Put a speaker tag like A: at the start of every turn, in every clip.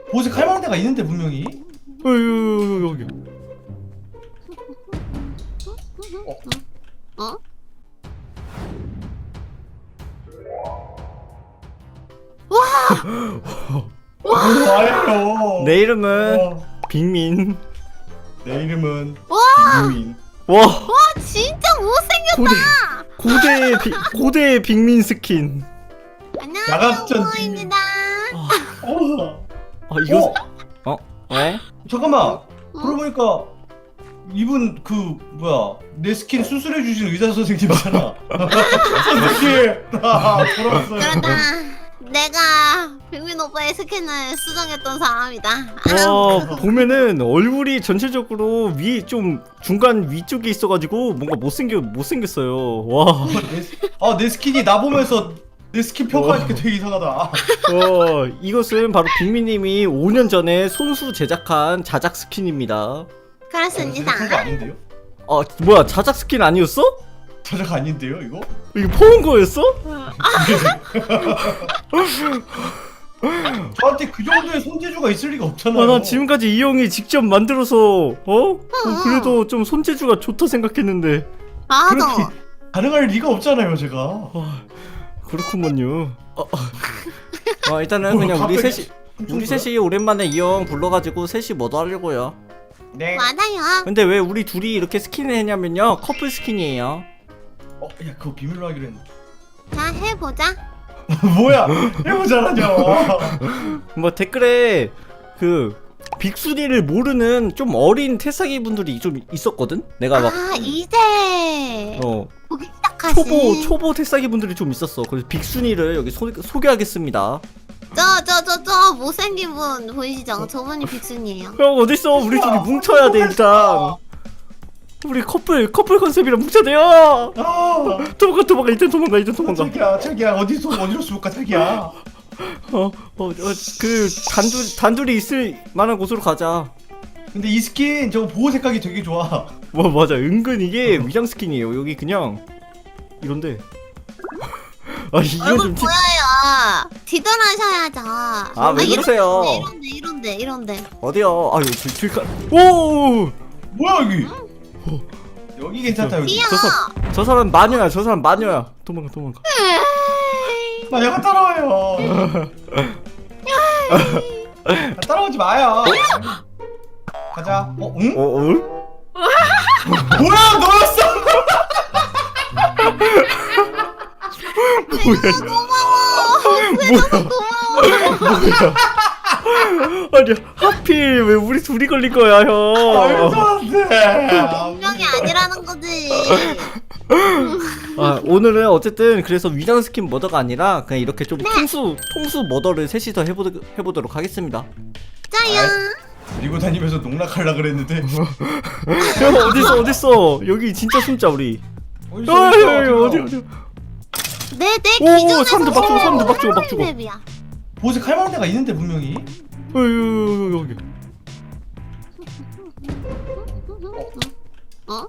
A: 보색 할 만한 데가 있는데 분명히.
B: 여기.
C: 어?
A: 와요.
B: 내 이름은
A: 어,
B: 빅민.
A: 내 이름은
C: 와!
A: 김유인.
B: 와,
C: 와 진짜 못생겼다.
B: 고대 빅민 스킨.
C: 안녕하세요
A: 야간전지.
C: 모모입니다.
A: 어.
B: 이거 왜?
A: 잠깐만. 그러고 보니까 이분 그 뭐야 내 스킨 수술해 주신 의사 선생님이잖아. 선생님. 돌아왔어요.
C: 그렇다. 내가 빅민 오빠의 스킨을 수정했던 사람이다.
B: 보면은 얼굴이 전체적으로 좀 중간 위쪽에 있어가지고 뭔가 못생겼어요. 와.
A: 내 스킨이 나 보면서 내 스킨 평가하니까 되게 이상하다.
B: 이것은 바로 빅민님이 5년 전에 손수 제작한 자작 스킨입니다.
C: 그렇습니다.
A: 그거 아닌데요?
B: 뭐야, 자작 스킨 아니었어?
A: 저작 아닌데요 이거?
B: 이거 퍼온 거였어?
A: 저한테 그 정도의 손재주가 있을 리가 없잖아요.
B: 나 지금까지 이 형이 직접 만들어서 그래도 좀 손재주가 좋다 생각했는데.
C: 나도.
A: 그렇게 가능할 리가 없잖아요 제가.
B: 그렇구먼요. 일단은 그냥 우리 셋이 오랜만에 이 형 불러가지고 셋이 뭐도 하려고요.
A: 네.
C: 맞아요.
B: 근데 왜 우리 둘이 이렇게 스킨을 했냐면요, 커플 스킨이에요.
A: 야 그거 비밀로 하기로 했는데.
C: 자 해보자.
A: 뭐야? 해보자라뇨.
B: 뭐 댓글에 그 빅순이를 모르는 좀 어린 태사기 분들이 좀 있었거든? 내가 막
C: 이제 보기 시작하신.
B: 초보 태사기 분들이 좀 있었어. 그래서 빅순이를 여기 소개하겠습니다.
C: 저 못생긴 분 보이시죠? 저분이 빅순이에요.
B: 형 어딨어? 우리 둘이 뭉쳐야 돼 일단. 우리 커플 컨셉이랑 뭉쳐야 돼요. 도망가 일단 도망가.
A: 자기야 어디로 쏠까 자기야.
B: 그 단둘이 있을 만한 곳으로 가자.
A: 근데 이 스킨 저거 보호 색깔이 되게 좋아.
B: 맞아, 은근 이게 위장 스킨이에요. 여기 그냥 이런데. 이건
C: 얼굴
B: 좀
C: 보여요. 뒤돌아셔야죠.
B: 왜 그러세요?
C: 이런데.
B: 어디요? 오!
A: 뭐야 여기? 여기 괜찮다 여기.
C: 귀여워.
B: 저 사람 마녀야. 도망가.
A: 나 약간 따라와요. 따라오지 마요. 가자. 응? 뭐야 너였어?
B: 아니 하필 왜 우리 둘이 걸린 거야, 형?
C: 분명히 아니라는 거지.
B: 오늘은 어쨌든 그래서 위장 스킨 머더가 아니라 그냥 이렇게 좀 통수 머더를 셋이서 해보도록 하겠습니다.
C: 짜요.
A: 그리고 다니면서 농락하려 그랬는데.
B: 형 어딨어? 여기 진짜 숨자 우리. 어디?
C: 내
B: 오,
C: 기준에서
B: 사람들 막 죽어.
C: 맵이야.
A: 보색 할 만한 데가 있는데 분명히.
B: 여기.
C: 어?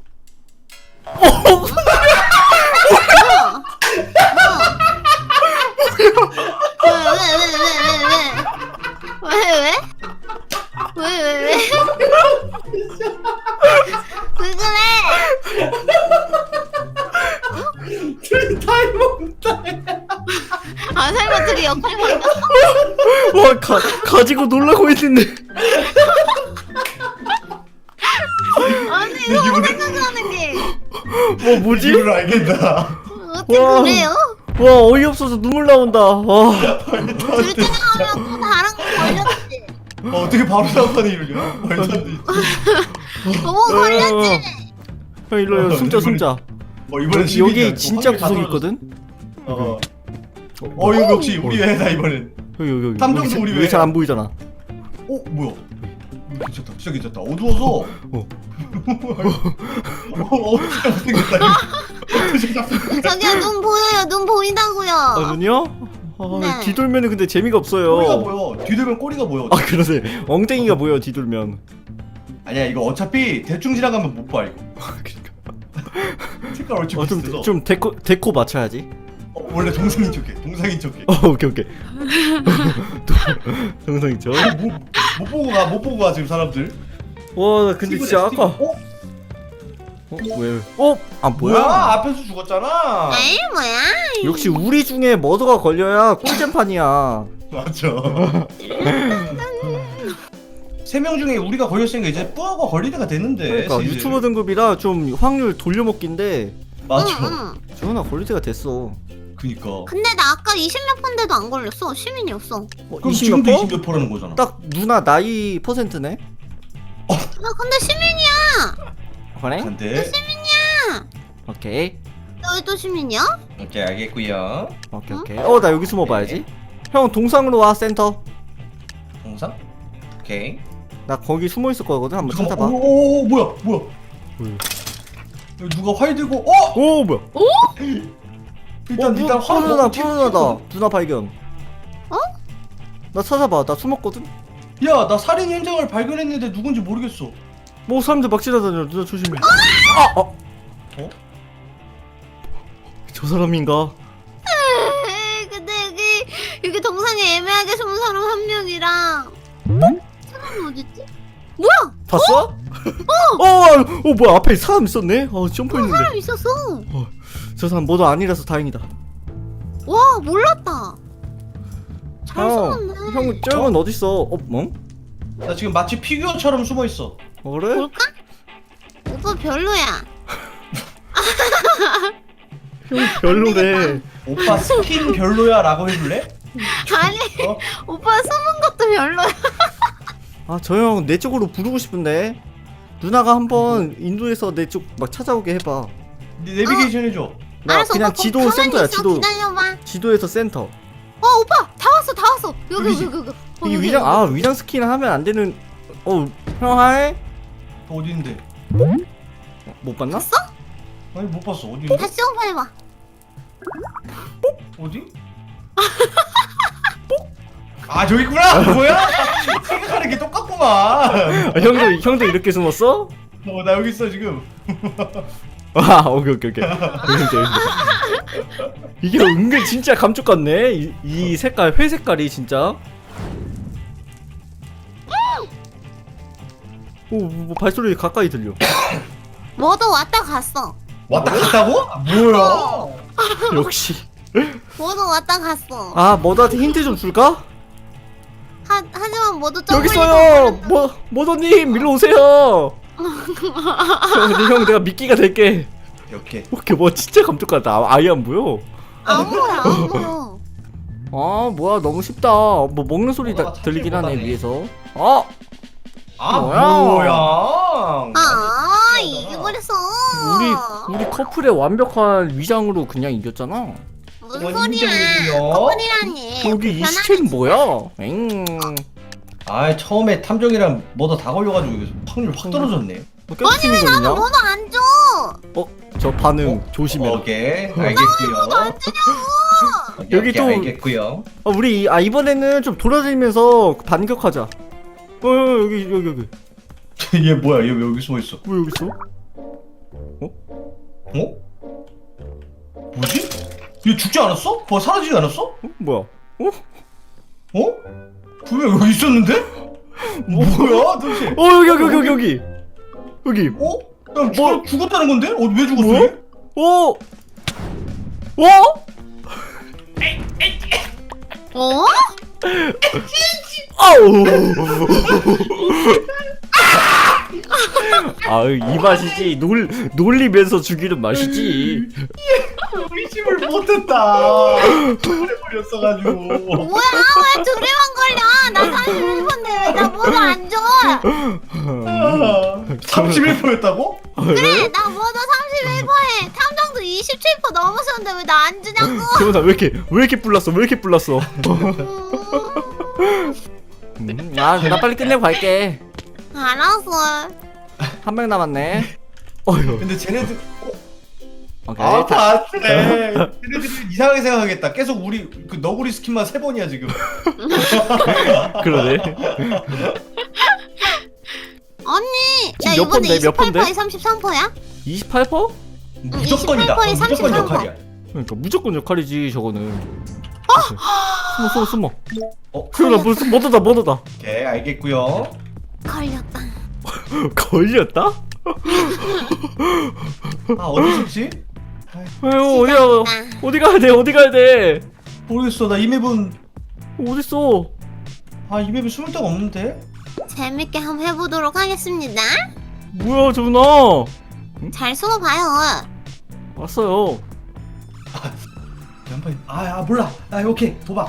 C: 왜? 왜 그래?
A: 둘이 타이머다.
C: 설마 둘이 역할 바뀌었어?
B: 와, 가지고 놀라고 했는데.
C: 아니 이거 생각하는 게
B: 뭐지?
A: 이유를 알겠다.
C: 어떻게 그래요?
B: 와, 어이없어서 눈물 나온다.
C: 둘 중에 하면 또 다른 거 걸렸지.
A: 어떻게 바로 사업하는 일이야? 말도 안 돼.
C: 걸렸지.
B: 형 일로요. 숨자.
A: 이번엔
B: 여기 진짜 구석이 있거든.
A: 이거 역시 우리 회다 이번엔.
B: 여기.
A: 탐정도 우리
B: 여기 잘 안 보이잖아.
A: 뭐야? 괜찮다. 진짜 괜찮다. 어두워서. 생겼다.
C: 저기요 눈 보여요. 눈 보인다고요.
B: 눈이요?
C: 네.
B: 뒤돌면은 근데 재미가 없어요.
A: 꼬리가 보여. 뒤돌면 꼬리가 보여.
B: 그러네. 엉덩이가 보여 뒤돌면.
A: 아니야 이거 어차피 대충 지나가면 못 봐 이거.
B: 그러니까.
A: 색깔 얼추 비슷해서.
B: 좀 데코 맞춰야지.
A: 원래 동생인 척해. 동생인 척해.
B: 오케이 오케이. 동상 있죠.
A: 못 보고 가. 못 보고 가 지금 사람들.
B: 와 근데 진짜 아까 왜? 아
A: 뭐야?
B: 뭐야?
A: 앞에서 죽었잖아.
C: 에이 뭐야?
B: 역시 우리 중에 머더가 걸려야 꿀잼판이야.
A: 맞아. 3명 중에 우리가 걸렸으니까 이제 뿌아가 걸릴 때가 됐는데.
B: 그러니까
A: 슬슬.
B: 유튜버 등급이라 좀 확률 돌려먹기인데
A: 맞아.
C: 응.
B: 주원아 걸릴 때가 됐어.
A: 그니까.
C: 근데 나 아까 20몇 번데도 안 걸렸어. 시민이었어.
A: 그럼
B: 20
A: 지금도
B: 몇
A: 20몇 %라는 거잖아.
B: 딱 누나 나이 퍼센트네?
C: 나 근데 시민이야.
B: 그래?
A: 근데
B: 오케이
C: 너희도 시민이야?
A: 오케이 알겠고요.
B: 오케이 오케이. 나 여기 숨어봐야지. 형 동상으로 와 센터.
A: 동상? 오케이.
B: 나 거기 숨어 있을 거거든. 한번 찾아봐.
A: 오 뭐야?
B: 뭐야?
A: 여기 누가 활 들고?
B: 오 뭐야?
A: 일단 활
B: 푸르나 푸르나다. 누나 발견.
C: 어?
B: 나 찾아봐. 나 숨었거든.
A: 야, 나 살인 현장을 발견했는데 누군지 모르겠어.
B: 뭐 사람들 막 지나다녀. 누나 조심해. 저 사람인가?
C: 에이, 근데 여기 동상에 애매하게 숨은 사람 한 명이랑 사람이 어딨지? 뭐야?
B: 봤어? 뭐야 앞에 사람 있었네. 점프했는데.
C: 사람 있었어.
B: 저 사람 뭐도 아니라서 다행이다.
C: 와 몰랐다. 잘 숨었네.
B: 형 저건 어딨어? 뭐?
A: 나 지금 마치 피규어처럼 숨어 있어.
B: 그래?
C: 볼까? 오빠 별로야.
B: 형 별로래.
A: 오빠 스킨 별로야라고 해줄래?
C: 아니
A: 어?
C: 오빠 숨은 것도 별로야.
B: 저 형 내 쪽으로 부르고 싶은데. 누나가 한번 인도에서 내 쪽 막 찾아오게 해봐.
A: 네 내비게이션 해줘.
B: 나
C: 알았어,
B: 그냥
C: 오빠
B: 지도
C: 가만히
B: 센터야.
C: 있어.
B: 지도
C: 기다려봐.
B: 지도에서 센터.
C: 오빠 다 왔어. 여기.
B: 이게 위장 위장 스킨 하면 안 되는. 형 하이?
A: 어디 있는데?
B: 못 봤나?
C: 봤어?
A: 아니 못 봤어. 어디 있는데?
C: 다시 오빠 해봐.
A: 어디? 아 저기 있구나. 뭐야? 생각하는 게 똑같구만.
B: 형도 이렇게 숨었어?
A: 나 여기 있어 지금.
B: 오케이. 여기 있다. 이게 은근 진짜 감쪽 같네. 이 색깔 회 색깔이 진짜. 뭐 발소리 가까이 들려.
C: 뭐도 왔다 갔어.
A: 왔다 갔다고? 아, 뭐야?
B: 역시.
C: 뭐도 왔다 갔어.
B: 머더한테 힌트 좀 줄까?
C: 하지만 모두
B: 여기 있어요. 머더님 일로 오세요. 형 내가 미끼가 될게.
A: 이렇게.
B: 오케이 뭐 진짜 감쪽 같다. 아예 안 보여.
C: 안 보여.
B: 뭐야 너무 쉽다. 뭐 먹는 소리
A: 머더가
B: 들리긴 하네
A: 찾질
B: 위에서.
A: 아
B: 뭐야?
C: 이게 그랬어.
B: 우리 커플의 완벽한 위장으로 그냥 이겼잖아.
C: 무슨
A: 그건
C: 소리야?
A: 인정이고요.
C: 커플이라니.
B: 여기 이
C: 변하네.
B: 시체는 뭐야?
A: 아 처음에 탐정이랑 뭐다 다 걸려가지고 여기서 확률 확 떨어졌네.
B: 아니 왜
C: 나도 뭐도 안 줘.
B: 저 반응 조심해.
A: 오케이 알겠고요.
C: 안 주냐고.
B: 여기 또-
A: 알겠고요.
B: 우리 이번에는 좀 돌아다니면서 반격하자. 여기.
A: 얘 뭐야? 얘 왜 여기 숨어 있어?
B: 왜 여기 있어?
A: 어? 뭐지? 얘 죽지 않았어? 사라지지 않았어?
B: 뭐야?
A: 분명 여기 있었는데? 뭐야 도대체?
B: 여기.
A: 야, 죽었다는 건데? 왜 죽었어?
B: 뭐야?
A: 얘?
C: 어?
B: 이 맛이지. 놀리면서 죽이는 맛이지.
A: 의심을 못했다. 해버렸어가지고.
C: 뭐야? 왜 둘이만 걸려? 나 31번데 왜 나 뭐도 안 줘?
A: 31%였다고?
C: 그래 나 뭐도 31%에 탐정도 27% 넘었었는데 왜 나 안 주냐고.
B: 재훈아 왜 이렇게 불났어? 나 빨리 끝내고 갈게.
C: 알았어.
B: 한 명 남았네. 어휴.
A: 근데 쟤네들
B: 오케이.
A: 다 그래. 쟤네들이 이상하게 생각하겠다. 계속 우리 그 너구리 스킨만 3번이야 지금.
B: 그러네.
C: 언니 나
B: 지금 몇
C: 이번에
B: 번데? 몇 번데?
C: 28%에 33%야?
B: 28%?
A: 무조건이다.
C: 28%에
A: 무조건
C: 33%.
A: 역할이야.
B: 그러니까 무조건 역할이지 저거는. 숨어.
A: 어?
B: 그러나 무슨 머더다.
A: 오케이 알겠고요.
C: 걸렸다.
B: 걸렸다?
A: 아 어디 숨지?
B: 왜요 어디 가야 돼?
A: 모르겠어. 나 이 맵은
B: 어딨어?
A: 이 맵에 숨을 데가 없는데.
C: 재밌게 한번 해보도록 하겠습니다.
B: 뭐야 저분아?
C: 잘 숨어봐요.
B: 왔어요.
A: 한번 몰라. 오케이 도박.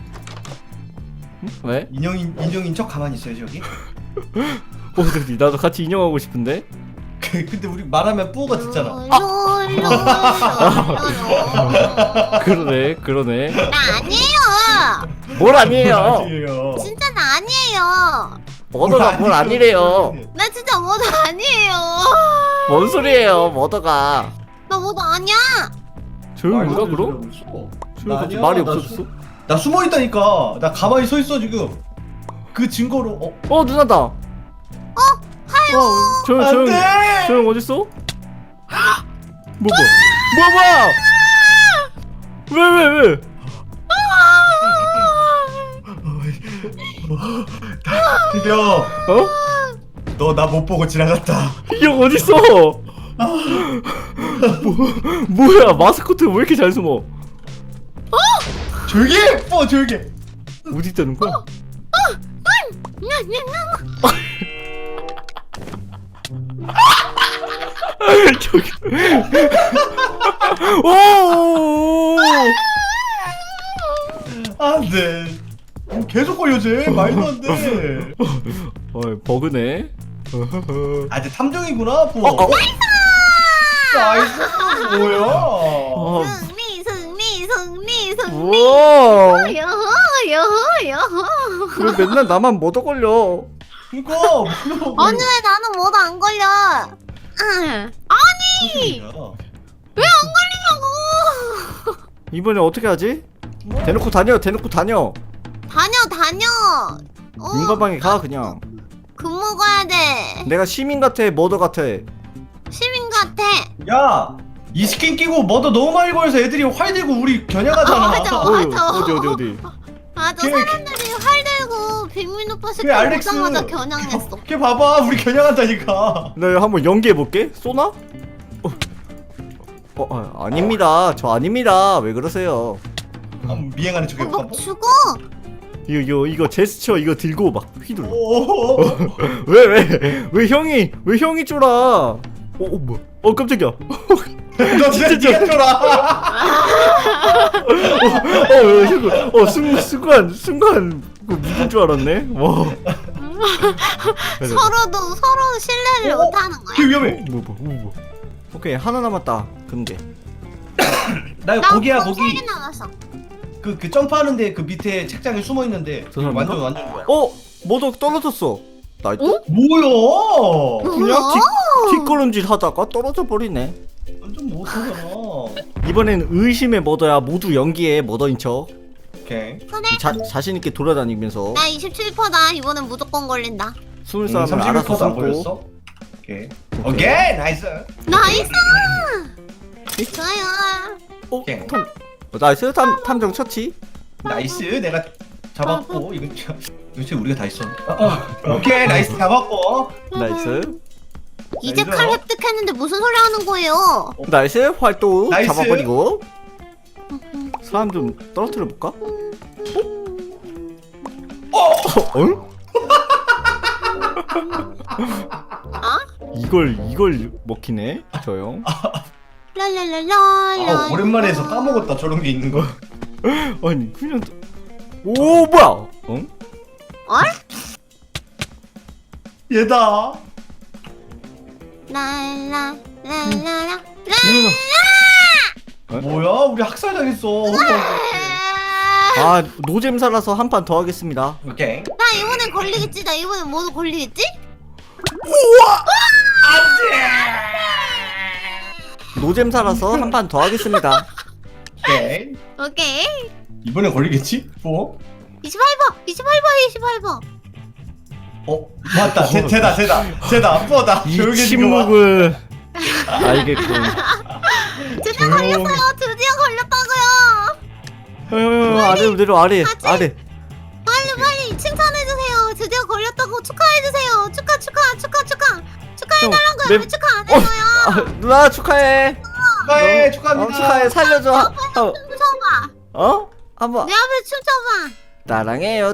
B: 응? 왜?
A: 인형인 척 가만히 있어야지 여기.
B: 어디 나도 같이 인형하고 싶은데?
A: 근데 우리 말하면 뿌가 듣잖아.
B: 그러네.
C: 나 아니에요.
B: 뭘 아니에요?
A: 아니에요.
C: 진짜 나 아니에요.
B: 머더가 뭘 아니래요?
C: 나 진짜 뭐도 아니에요.
B: 뭔 소리예요 머더가?
C: 나 뭐도 아니야.
B: 조용히 가 그럼? 조용히 갑자기 말이 없어졌어?
A: 나 숨어 있다니까. 나 가만히 서 있어 지금. 그 증거로.
B: 누나다.
C: 하요.
B: 조용 어딨어? 뭐야? 왜?
A: 드디어
B: 어?
A: 너 나 못 보고 지나갔다.
B: 이 형 어딨어? 뭐야 마스코트 왜 이렇게 잘 숨어?
A: 조용히 해! 조용히 해!
B: 어디 있다는 거야? 저기. 오.
A: 안돼. 계속 걸려지. 말도 안 돼.
B: 버그네.
A: 이제 탐정이구나. 나이스. 뭐야?
C: 승리.
B: 우와.
C: 여호.
B: 왜 맨날 나만 머더 걸려?
A: 그니까.
C: 아니 왜 나는 뭐도 안 걸려? 아니 왜 안 걸리냐고?
B: 이번에 어떻게 하지? 대놓고 다녀.
C: 다녀.
B: 윤가방에 가 그냥.
C: 근무 가야 돼.
B: 내가 시민 같아 머더 같아.
C: 시민 같아.
A: 야! 이 스킨 끼고 뭐도 너무 많이 걸려서 애들이 활 들고 우리 겨냥하잖아.
C: 맞아.
B: 어디?
C: 맞아.
A: 걔-
C: 사람들이 활 들고 빅민 오빠 새끼
A: 그래, 알렉스.
C: 보자마자 겨냥했어.
A: 걔 봐봐. 우리 겨냥한다니까.
B: 나 한번 연기해볼게. 쏘나? 아닙니다. 저 아닙니다. 왜 그러세요?
A: 미행하는 척 해볼까?
C: 막 죽어.
B: 이거 제스처 이거 들고 막 휘둘러.
A: 오.
B: 왜 형이 쫄아? 뭐야? 깜짝이야.
A: 너 진짜 니가 쫄아.
B: 순간 그 무슨 줄 알았네. 와.
C: 서로 신뢰를
A: 어?
C: 못하는 거야.
A: 걔 위험해.
B: 뭐. 오케이 하나 남았다. 금괴.
A: 나
C: 나
A: 거기야
C: 총
A: 거기.
C: 3개 남았어.
A: 그 점프하는데 그 밑에 책장에 숨어 있는데.
B: 저 사람인가?
A: 완전 좋아.
B: 뭐도 떨어졌어. 나이트?
A: 뭐야?
B: 그냥
C: 뭐야?
B: 뒷걸음질 하다가 떨어져 버리네.
A: 완전 못하잖아.
B: 이번엔 의심의 머더야. 모두 연기해 머더인 척.
A: 오케이.
C: 그래.
B: 자신 있게 돌아다니면서
C: 나 27%다. 이번엔 무조건 걸린다.
B: 숨을 사람을 알아서
A: 31%도 안
B: 숨고.
A: 걸렸어. 오케이 나이스.
C: 나이스. 좋아요.
A: 오케이.
B: 나이스 탐정 처치.
A: 나이스. 내가 잡았고 이건 도대체 우리가 다 했어. 오케이 나이스 잡았고.
B: 나이스.
C: 이제
A: 나이스.
C: 칼 획득했는데 무슨 소리 하는 거예요?
B: 나이스 활동
A: 나이스.
B: 잡아버리고. 사람 좀 떨어뜨려 볼까? 어? 이걸 먹히네 저 형.
C: 랄랄랄라.
A: 오랜만에 해서 까먹었다 저런 게 있는 거.
B: 아니 그냥 뭐야? 응?
A: 얘다.
C: 랄랄랄랄라.
A: 뭐야? 우리 학살 당했어.
B: 아 노잼살아서 한 판 더 하겠습니다.
A: 오케이.
C: 나 이번엔 걸리겠지? 나 이번엔 뭐도 걸리겠지?
B: 노잼살아서 한 판 더 하겠습니다.
A: 오케이.
C: 오케이.
A: 이번엔 걸리겠지? 뭐?
C: 28번.
A: 맞다. 쟤다. 뿌어다.
B: 이
A: 조용히 해주고 봐.
B: 침묵을 알겠군.
C: 드디어 걸렸어요. 드디어 걸렸다고요.
B: 아래 내려 아래 아래.
C: 빨리 칭찬해주세요. 드디어 걸렸다고 축하해주세요. 축하해달라고요.
B: 내-
C: 왜 축하 안 해줘요?
B: 누나 축하해.
A: 축하해 축하합니다.
B: 축하해 살려줘.
C: 춤춰봐.
B: 한번
C: 내 앞에 춤춰봐.
B: 따랑해요.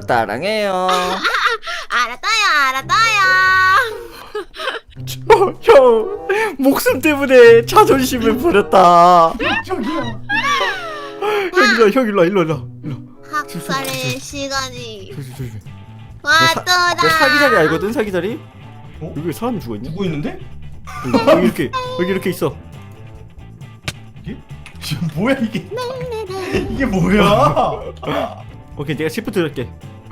C: 알았다요.
B: 형 목숨 때문에 자존심을 버렸다.
A: 저기요.
B: 형 일로.
C: 학살의 시간이
B: 조심.
C: 왔더라.
B: 내 사기 자리 알거든 사기 자리.
A: 어?
B: 여기 사람 죽어 있네.
A: 누구 있는데?
B: 여기 이렇게 있어.
A: 이게 뭐야 이게? 이게 뭐야?
B: 오케이 내가 시프트 할게.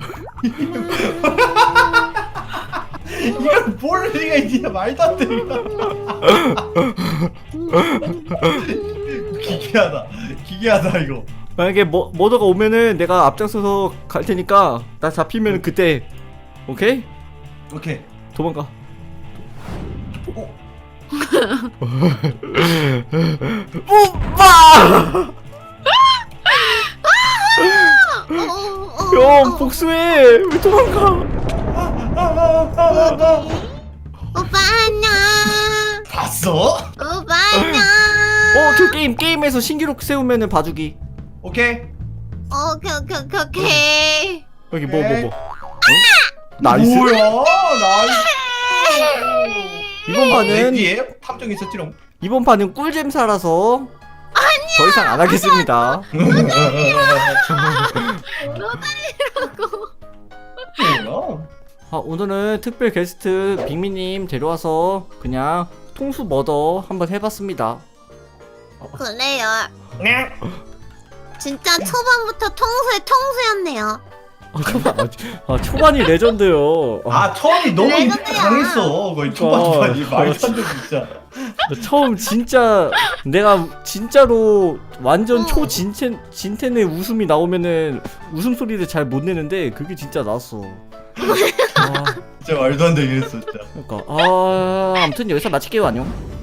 A: 이걸 볼 리가 있냐 말도 안 돼. 기괴하다 이거.
B: 만약에 머더가 오면은 내가 앞장서서 갈 테니까 나 잡히면 그때 오케이?
A: 오케이.
B: 도망가. 뽀빠! 형 복수해. 왜 도망가?
C: 오빠 안녕.
A: 봤어?
C: 오빠 안녕.
B: 그 게임에서 신기록 세우면은 봐주기.
A: 오케이.
C: 오케이.
B: 여기 뭐. 나이스.
A: 뭐야? 나이스.
B: 이번 판은
A: 뒤에 탐정 있었지롱.
B: 이번 판은 꿀잼사라서 더 이상 안 하겠습니다.
A: 뭐야?
B: 오늘은 특별 게스트 빅미님 데려와서 그냥 통수 머더 한번 해봤습니다.
C: 그래요.
A: 네.
C: 진짜 초반부터 통수였네요.
B: 초반이 레전드요.
A: 아 처음이 너무
C: 레전드야.
A: 임팩트 강했어. 거의 초반이 말도 안 돼 진짜.
B: 처음 진짜 내가 진짜로 완전 진텐의 웃음이 나오면은 웃음소리를 잘 못 내는데 그게 진짜 나왔어.
A: 진짜 말도 안 되게 했어 진짜.
B: 그러니까 아무튼 여기서 마칠게요. 안녕.